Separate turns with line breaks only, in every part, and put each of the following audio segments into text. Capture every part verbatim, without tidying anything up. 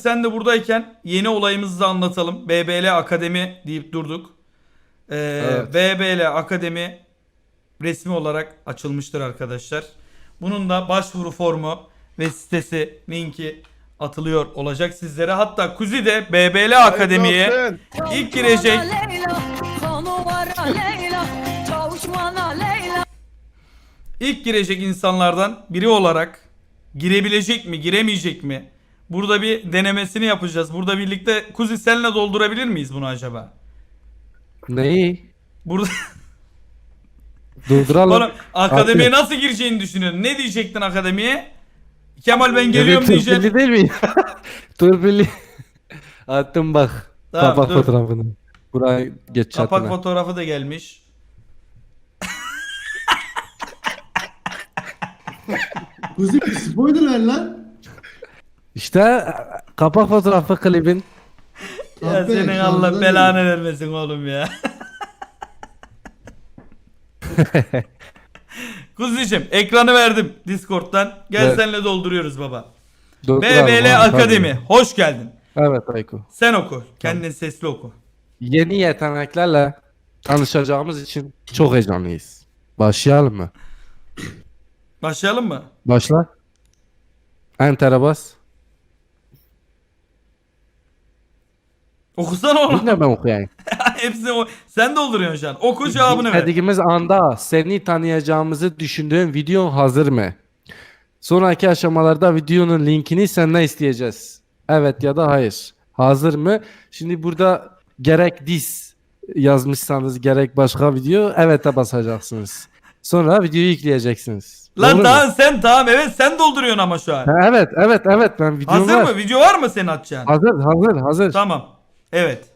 sen de buradayken yeni olayımızı da anlatalım. B B L Akademi deyip durduk. Ee,
Evet.
B B L Akademi resmi olarak açılmıştır arkadaşlar. Bunun da başvuru formu ve sitesi, linki atılıyor olacak sizlere. Hatta Kuzi de B B L Akademi'ye ilk girecek. İlk girecek insanlardan biri olarak girebilecek mi, giremeyecek mi? Burada bir denemesini yapacağız. Burada birlikte Kuzi senle doldurabilir miyiz bunu acaba?
Neyi?
Burada
Durduralım.
oğlum akademiye
Atıyor.
nasıl gireceğini düşünüyorsun? Ne diyecektin akademiye? Kemal ben geliyorum
Evet,
diyeceksin.
Turpilli değil mi? Turpilli. Attım bak.
Tamam,
Kapak
dur.
fotoğrafını. Buraya geç çatına.
Kapak fotoğrafı da gelmiş.
Kuzi bir spoiler ver lan.
İşte kapak fotoğrafı klibin.
Ya
Abi,
senin
şarjdan
Allah belanı vermesin oğlum ya. Kuzi'cim ekranı verdim Discord'dan. Gel
Evet.
seninle dolduruyoruz baba.
Durduralım
B B L
abi,
Akademi.
tabii.
Hoş geldin.
Evet Ayko.
Sen oku. Kendin sesli oku.
Yeni yeteneklerle tanışacağımız için çok heyecanlıyız. Başlayalım mı?
Başlayalım mı?
Başla. Enter'e bas.
Okusana oğlum.
Yine ben okuyayım.
Hepsini o. Sen dolduruyorsun şu an. Oku cevabını ver.
Dediğimiz anda seni tanıyacağımızı düşündüğün video hazır mı? Sonraki aşamalarda videonun linkini senden isteyeceğiz. Evet ya da hayır. Hazır mı? Şimdi burada gerek dis yazmışsanız gerek başka video evet'e basacaksınız. Sonra videoyu yükleyeceksiniz.
Lan
Doğru mu?
tamam sen tamam evet sen dolduruyorsun ama şu an.
Ha, evet evet evet ben videom
Hazır
var.
mı? Video var mı senin atacağın?
Hazır hazır hazır.
Tamam. Evet.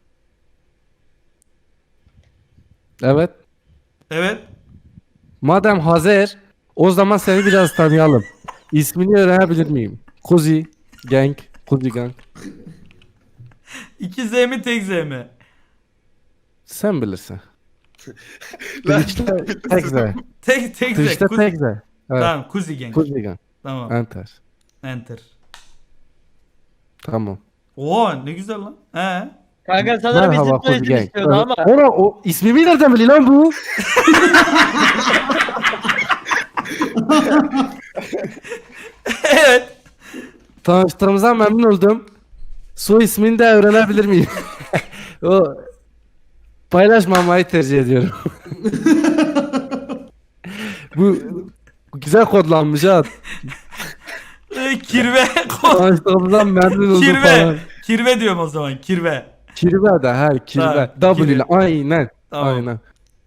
Evet.
Evet.
Madem hazır o zaman seni biraz tanıyalım. İsmini öğrenebilir miyim? Kuzi Gang. Kuzi Gang.
İki Z mi tek Z mi?
Sen bilirsin. Twitch'te tek Z.
Tek tek Z.
Twitch'te
Kuzi-
tek Z. Evet.
Tamam Kuzi Gang.
Kuzi Gang.
Tamam.
Enter.
Enter.
Tamam.
Oo ne güzel lan. He.
Kanka sanırım
Merhaba
bizim
Kuzi
soyisim
Gang.
istiyordu ama.
Ona o ismimi nereden biliyor lan bu?
Evet.
Tanıştığımıza memnun oldum. Soy ismini de öğrenebilir miyim? O paylaşmamayı tercih ediyorum. bu güzel kodlanmış ha.
Ee, kirve.
Tanıştığımızdan memnun oldum
kirve.
falan.
Kirve diyorum o zaman. Kirve.
Kirve de her kirve.
Tamam,
W ile
kirve.
aynen.
Tamam.
Aynen.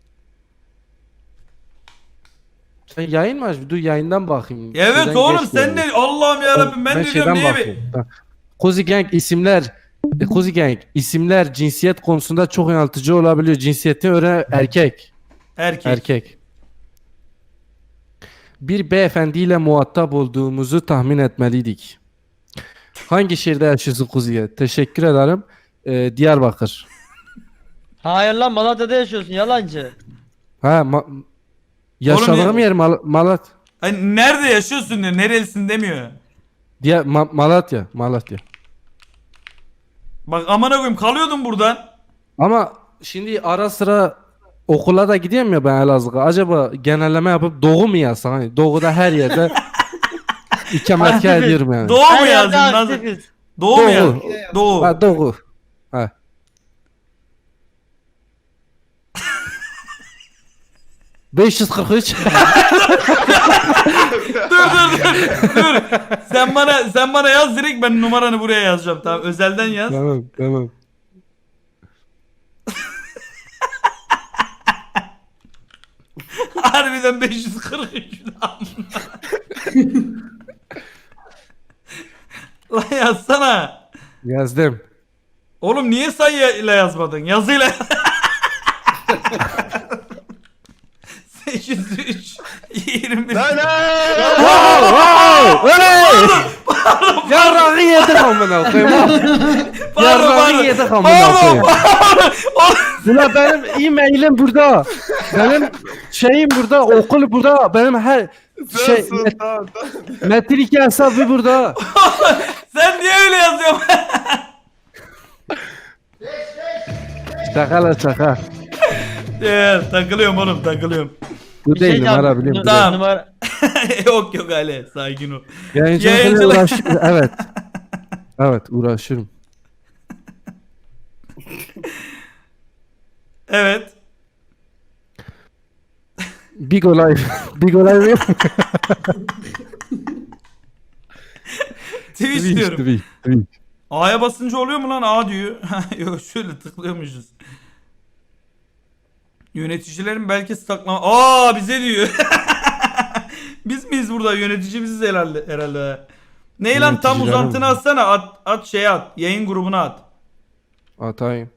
Sen yayın mı aç? Dur yayından bakayım.
Evet
Şeyden
oğlum
geç
sen
geldi.
de Allah'ım yarabbim ben, de diyorum niye bir...
Kuzi Gang isimler e, Kuzi Gang isimler cinsiyet konusunda çok yanıltıcı olabiliyor. Cinsiyetini öğren erkek.
Erkek.
Erkek. Bir beyefendiyle muhatap olduğumuzu tahmin etmeliydik. Hangi şehirde yaşıyorsun Kuzi'ye? Teşekkür ederim. Ee, Diyarbakır.
Hayır lan Malatya'da yaşıyorsun yalancı.
Ha ma- yaşadığım
ya-
yer Mal- Malat.
Hani nerede yaşıyorsun diyor. Nerelisin demiyor.
Diye Ma- Malatya, Malatya.
Bak amına koyayım kalıyordum buradan.
Ama şimdi ara sıra okula da gidiyorum ya ben Elazığ'a. Acaba genelleme yapıp Doğu mu yazsam? Hani Doğu'da her yerde ikametgah
Aktifiz.
ediyorum yani.
Doğu mu
Her
yazdın?
yerde
Nasıl?
aktifiz.
Doğu mu
Doğu.
yazdın? Doğu.
Ha Doğu. Ha. beş yüz kırk üç.
Dur dur dur. Dur. Sen bana sen bana yaz direkt ben numaranı buraya yazacağım. Tamam özelden yaz.
Tamam tamam.
Harbiden beş yüz kırk üç. Lan yazsana.
Yazdım.
Oğlum niye sayıyla yazmadın? Yazıyla. sekiz yüz üç yirmi.
Wow, wow, hey! Yarrağı yedik amına koyayım. Yarrağı yedik amına koyayım. Ulan benim e-mailim burada. Benim şeyim burada, okul burada. Benim her şey met, Metin iki hesabı burada.
Sen niye öyle yazıyorsun?
Şaka la şaka.
Evet, takılıyorum oğlum takılıyorum.
Bu
Bir
değil
şey
numara
diyeceğim.
biliyorum.
Nu-
Tamam.
Numara...
Yok yok Ali sakin ol.
Yayıncılıkla
Yayıncılık-
uğraşıyorum. Evet. Evet uğraşıyorum.
Evet.
Big olay. Big olay yok.
Twitch diyorum.
Twitch, Twitch.
A'ya basınca oluyor mu lan? A diyor. Yok şöyle tıklıyormuşuz. Yöneticilerin belki saklama... Aa bize diyor. Biz miyiz burada? Yönetici biziz herhalde. herhalde. Ney lan tam
Yöneticiler
uzantını
mi?
atsana. At, at şeye at. Yayın grubuna at.
Atayım.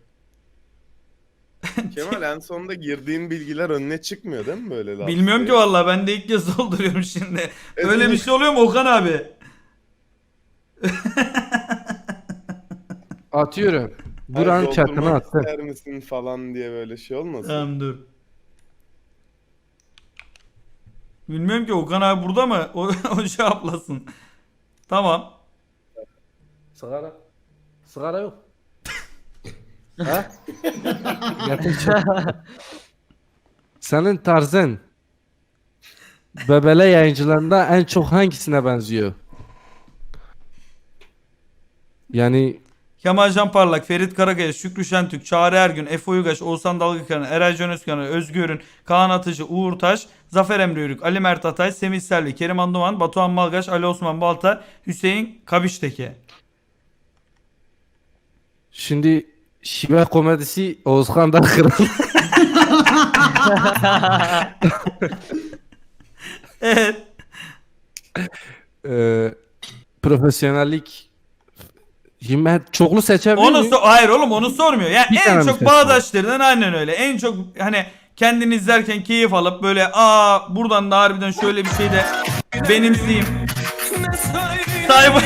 Kemal en sonunda girdiğin bilgiler önüne çıkmıyor değil mi böyle laf?
Bilmiyorum ki vallahi ben de ilk kez dolduruyorum şimdi. Öyle bir şey oluyor mu Okan abi?
Atıyorum. Buranın chatine attım.
İster misin falan diye böyle şey olmasın?
Tamam dur. Bilmiyorum ki Okan abi burada mı? O, o cevaplasın. Tamam.
Sigara. Sigara yok. Ha? Getir çek. Senin tarzın Bebele yayıncılarında en çok hangisine benziyor? Yani
Kemal Can Parlak, Ferit Karakaya, Şükrü Şentürk, Çağrı Ergün, Efe Uygaş, Oğuzhan Dalgıkaran, Eray Can Özkan, Özgür'ün, Kaan Atıcı, Uğur Taş, Zafer Emre Yörük, Ali Mert Atay, Semih Selvi, Kerim Anduman, Batuhan Malgaş, Ali Osman Balta, Hüseyin Kabişteke.
şimdi şive komedisi Oğuzhan Dalkıran.
Evet.
Ee, profesyonellik. Şimdi ben çoklu seçebilir
Onu
miyim?
so- hayır oğlum onu sormuyor. Yani
Bir tane
en
mi
çok
seçtin?
bağdaşlarından aynen öyle. En çok hani kendini izlerken keyif alıp böyle aa buradan da harbiden şöyle bir şey de benimseyeyim. Cyber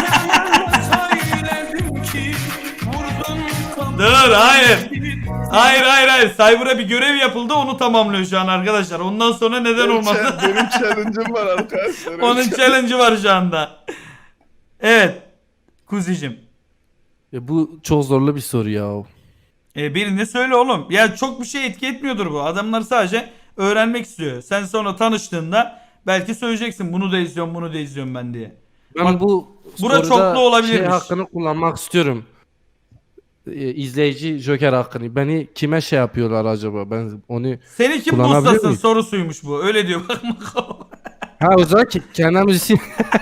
Dur hayır. Hayır hayır hayır. Cyber'a bir görev yapıldı onu tamamlıyor şu an arkadaşlar. Ondan sonra neden
Benim
olmadı?
cha- Benim challenge'ım var arkadaşlar.
Onun challenge'ı var şu anda. Evet. Kuzicim.
Ya bu çok zorlu bir soru ya.
E birini söyle oğlum. Ya çok bir şey etki etmiyordur bu. Adamlar sadece öğrenmek istiyor. Sen sonra tanıştığında belki söyleyeceksin bunu da izliyorum bunu da izliyorum ben diye.
Ben
Bak,
bu
bura
soruda
çoklu olabilirmiş.
şey hakkını kullanmak istiyorum. Ee, izleyici Joker hakkını. Beni kime şey yapıyorlar acaba? Ben onu
Seni kim
Kullanabiliyor
bustasın
muyum?
sorusuymuş bu. Öyle diyor bak bak.
ha o zaman ki kendi müzisyen.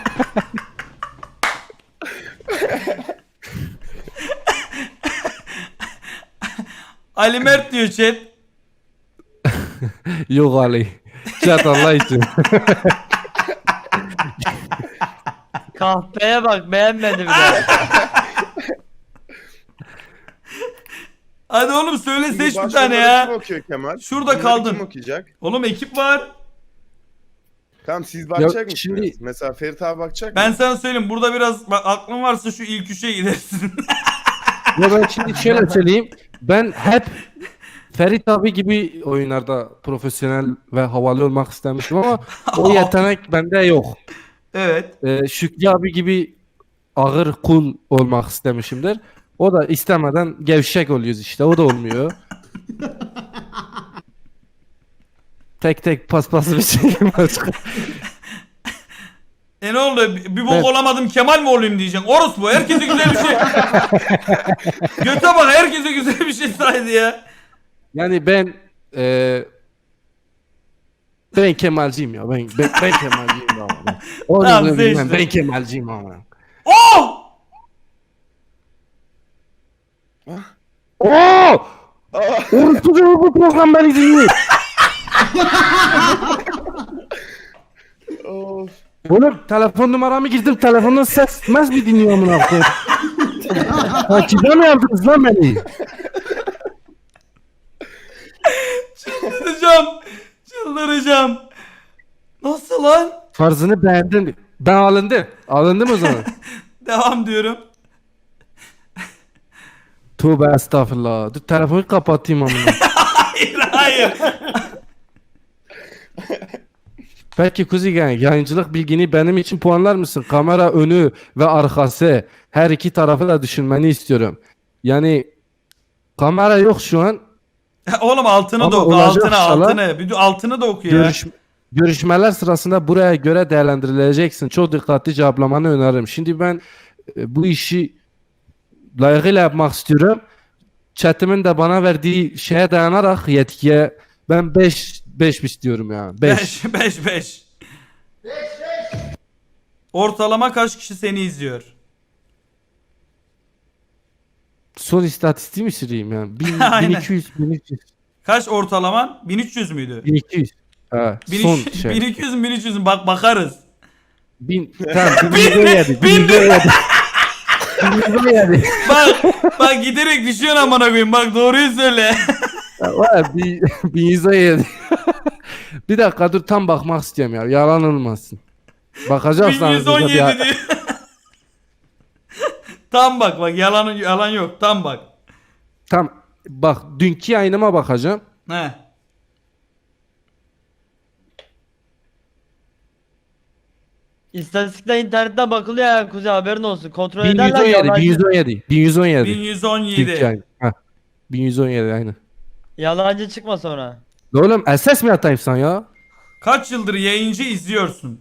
Ali Mert diyor chat.
Yok Ali. Chat Allah için.
Kahpeye bak beğenmedi bile.
Hadi oğlum söyle
Şimdi
seç bir
başkaları
tane
Kim
ya.
okuyor Kemal?
Şurada
Bunları
kaldın.
Kim okuyacak?
Oğlum ekip var.
Tamam siz bakacak mısınız?
şimdi-
Mesela Ferit abi bakacak
Ben
mı?
sana söyleyeyim burada biraz bak, aklın varsa şu ilk üçe gidersin.
Ya ben şimdi şöyle söyleyeyim. Ben hep Ferit abi gibi oyunlarda profesyonel ve havalı olmak istemiştim ama o yetenek bende yok.
Evet.
Ee, Şükrü abi gibi ağır cool olmak istemişimdir. O da istemeden gevşek oluyoruz işte. O da olmuyor. tek tek paspaslı bir şey başka.
E ne oldu? Bir bir bok
Evet.
olamadım Kemal mi olayım diyeceksin. Orospu herkese güzel bir şey. Göte bak herkese güzel bir şey saydı ya.
Yani ben e, ben Kemalciyim ya. Ben ben, ben Kemalciyim ya. Ben. Onu
Tamam,
da bilmem.
seçtim.
Ben Kemalciyim ama.
Oh!
Oo! Orası da bu program beni dinliyor.
Of.
Oğlum telefon numaramı girdim. Telefondan ses mes mi dinliyor amına koyayım? Takibe mi yaptınız lan beni?
Çıldıracağım. Çıldıracağım. Nasıl lan?
Farzını beğendin. Ben alındım. Alındım o zaman.
Devam diyorum.
Tövbe estağfurullah. Dur telefonu kapatayım amına.
Hayır hayır.
Peki Kuzi Gang, yayıncılık bilgini benim için puanlar mısın? Kamera önü ve arkası her iki tarafı da düşünmeni istiyorum. Yani kamera yok şu an.
Oğlum altını
Ama
da oku.
olacak
Altını
inşallah.
altını. Bir de altını da oku ya.
Görüş, görüşmeler sırasında buraya göre değerlendirileceksin. Çok dikkatli cevaplamanı öneririm. Şimdi ben e, bu işi layıkıyla yapmak istiyorum. Chat'imin de bana verdiği şeye dayanarak yetkiye ben beş beş istiyorum ya. beş.
beş beş beş. Ortalama kaç kişi seni izliyor?
Son istatistiği mi süreyim yani? bin,
Aynen.
bin iki yüz, bin üç yüz,
Kaç ortalaman? bin üç yüz müydü?
bin iki yüz. Ha,
bin
son
üç yüz,
şey.
bin iki yüz mü bin üç yüz mü? Bak bakarız.
Bin, tamam, bin
Bin
yüz on yedi, bin
bin
yüz on yedi. bin yüz on yedi.
Bak bak giderek düşüyorsun amına koyayım. Bak doğruyu söyle.
Var bin, bin yüz on yedi. Bir dakika dur tam bakmak istiyorum ya. Yalan olmasın. Bakacaksan.
bin yüz on yedi diyor. Tam bak bak yalan yalan yok. Tam bak.
Tam bak dünkü yayınıma bakacağım.
He.
İstatistikler internetten bakılıyor ya Kuzey, haberin olsun. Kontrol ederler
bin yüz on yedi,
yalancı.
bin yüz on yedi, bin yüz on yedi.
bin yüz on
Dünkü
yedi.
yayın. Ha. bin yüz on yedi aynı.
Yalancı çıkma sonra.
Oğlum S S mi atayım sana ya?
Kaç yıldır yayıncı izliyorsun?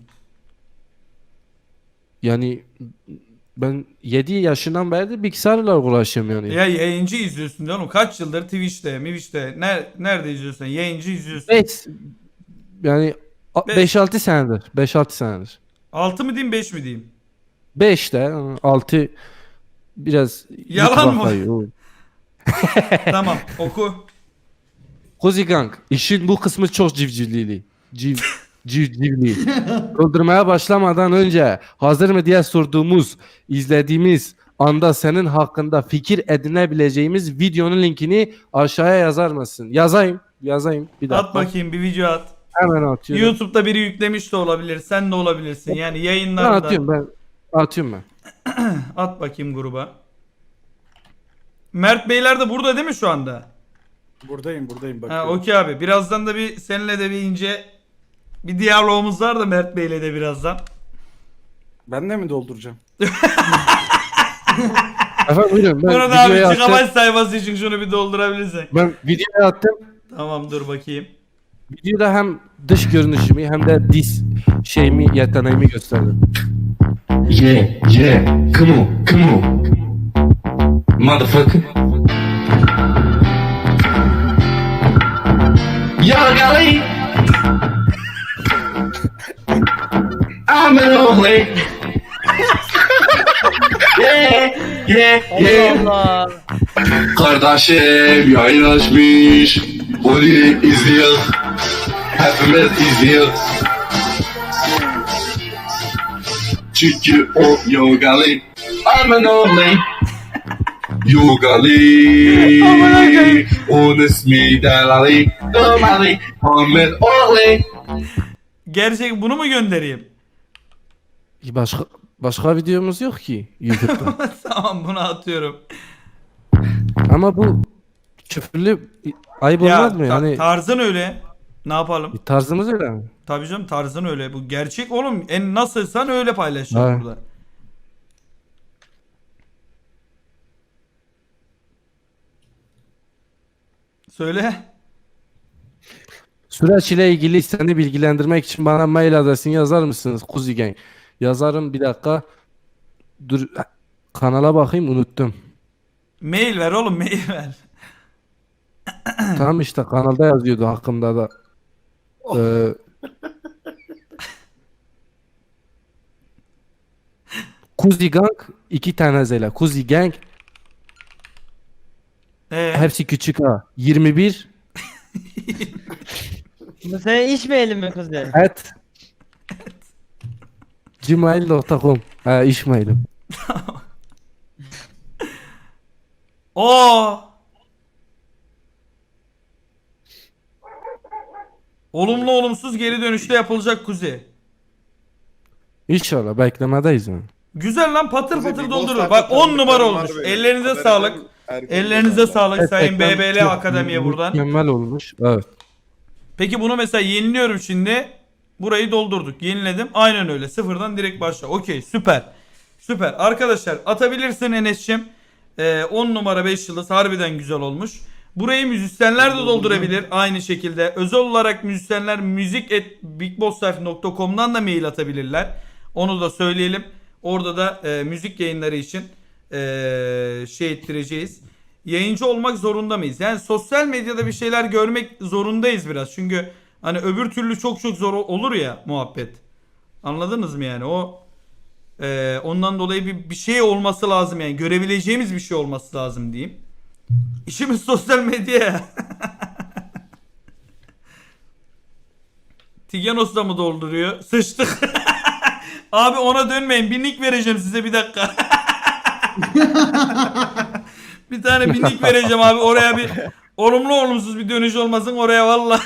Yani ben yedi yaşından beri de bilgisayarla uğraşıyorum yani.
Ya yayıncı izliyorsun diyor oğlum. Kaç yıldır Twitch'te, Twitch'te ner nerede izliyorsun? Yayıncı izliyorsun.
beş yani
Beş.
beş altı senedir. beş altı senedir.
altı mı diyeyim beş mi diyeyim?
beş de altı biraz
Yalan
YouTube'a
mı?
kayıyor.
Tamam oku.
Kozi Gang, işin bu kısmı çok civcivlili. Civ, civcivli. Öldürmeye başlamadan önce hazır mı diye sorduğumuz, izlediğimiz anda senin hakkında fikir edinebileceğimiz videonun linkini aşağıya yazar mısın? Yazayım, yazayım. Bir dakika.
At bakayım bir video at.
Hemen atıyorum.
YouTube'da biri yüklemiş de olabilir. Sen de olabilirsin. Yani
Ben
yayınlarda.
atıyorum ben. Atıyorum ben.
At bakayım gruba. Mert Beyler de burada değil mi şu anda?
Buradayım buradayım
Ha
bakıyorum.
okey abi. Birazdan da bir seninle de bir ince bir diyalogumuz var da Mert Bey'le de birazdan.
Ben de mi dolduracağım?
Efendim buyurun. Ben
Burada abi
videoya attım.
gigabyte sayfası için şunu bir doldurabilirsin.
Ben videoya attım.
Tamam dur bakayım.
Videoda hem dış görünüşümü hem de diz şeyimi, yeteneğimi gösterdim.
Yeah, yeah, come on, come on. Motherfucker. Yo, golly. I'm an old lady. Yeah, yeah, yeah.
Allah Allah.
Kardeşim yayın açmış. Onu izliyor. Hepimiz izliyor. Çünkü o yogali. I'm an old lady. Yogali. Onun ismi Delali. Domali. Ahmet Orli.
Gerçek bunu mu göndereyim?
Başka başka videomuz yok ki YouTube'da.
Tamam bunu atıyorum.
Ama bu küfürlü ayıp
Ya
olmaz mı?
ta-
Yani
tarzın öyle. Ne yapalım?
tarzımız öyle mi?
Tabii canım tarzın öyle. Bu gerçek oğlum. En nasılsan öyle paylaşacağım
Evet.
burada. Söyle.
Süreç ile ilgili seni bilgilendirmek için bana mail adresini yazar mısınız Kuzi Gang? Yazarım bir dakika. Dur kanala bakayım unuttum.
Mail ver oğlum mail ver.
Tamam işte kanalda yazıyordu hakkımda da. Ee, Kuzi Gang iki tane zela. Kuzi Gang
Ee,
hepsi küçük ha. yirmi bir
Bu senin iş mailim mi Kuzey?
at gmail nokta com. Ha iş mailim.
o olumlu olumsuz geri dönüşte yapılacak Kuzey.
İnşallah beklemedeyiz yani.
Güzel lan patır
Kuzey,
patır
bir
doldurur.
Bostan
Bak on numara
tanıdıklarım var
olmuş.
benim.
Ellerinize
Haberim
sağlık.
erken
Ellerinize
oldu.
sağlık Sayın
Ekran
B B L
çok
Akademi'ye buradan.
Mükemmel olmuş. Evet.
Peki bunu mesela yeniliyorum şimdi. Burayı doldurduk. Yeniledim. Aynen öyle. Sıfırdan direkt başla. Okey, süper. Süper. Arkadaşlar atabilirsin Enes'cim. Ee, on numara beş yıldız harbiden güzel olmuş. Burayı müzisyenler de doldurabilir aynı şekilde. Özel olarak müzisyenler müzik at bigbosslife nokta com'dan da mail atabilirler. Onu da söyleyelim. Orada da e, müzik yayınları için e, şey ettireceğiz. Yayıncı olmak zorunda mıyız? Yani sosyal medyada bir şeyler görmek zorundayız biraz. Çünkü hani öbür türlü çok çok zor olur ya muhabbet. Anladınız mı yani? O e, ondan dolayı bir, bir şey olması lazım yani. Görebileceğimiz bir şey olması lazım diyeyim. İşimiz sosyal medya. Tiganos da mı dolduruyor? Sıçtık. Abi ona dönmeyin. Bir nick vereceğim size bir dakika. Bir tane bir nick vereceğim abi. Oraya bir olumlu olumsuz bir dönüş olmasın oraya valla.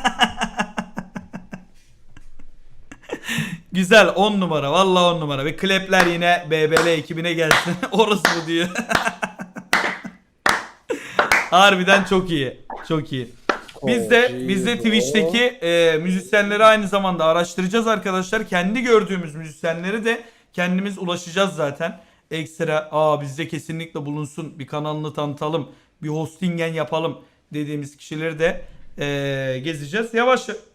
Güzel on numara. Valla on numara. Ve klepler yine B B L ekibine gelsin. Orası bu diyor. Harbiden çok iyi. Çok iyi. Biz de biz de Twitch'teki e, müzisyenleri aynı zamanda araştıracağız arkadaşlar. Kendi gördüğümüz müzisyenleri de kendimiz ulaşacağız zaten. Ekstra aa bizde kesinlikle bulunsun, bir kanalını tanıtalım, bir hostingen yapalım dediğimiz kişileri de e, gezeceğiz. Yavaş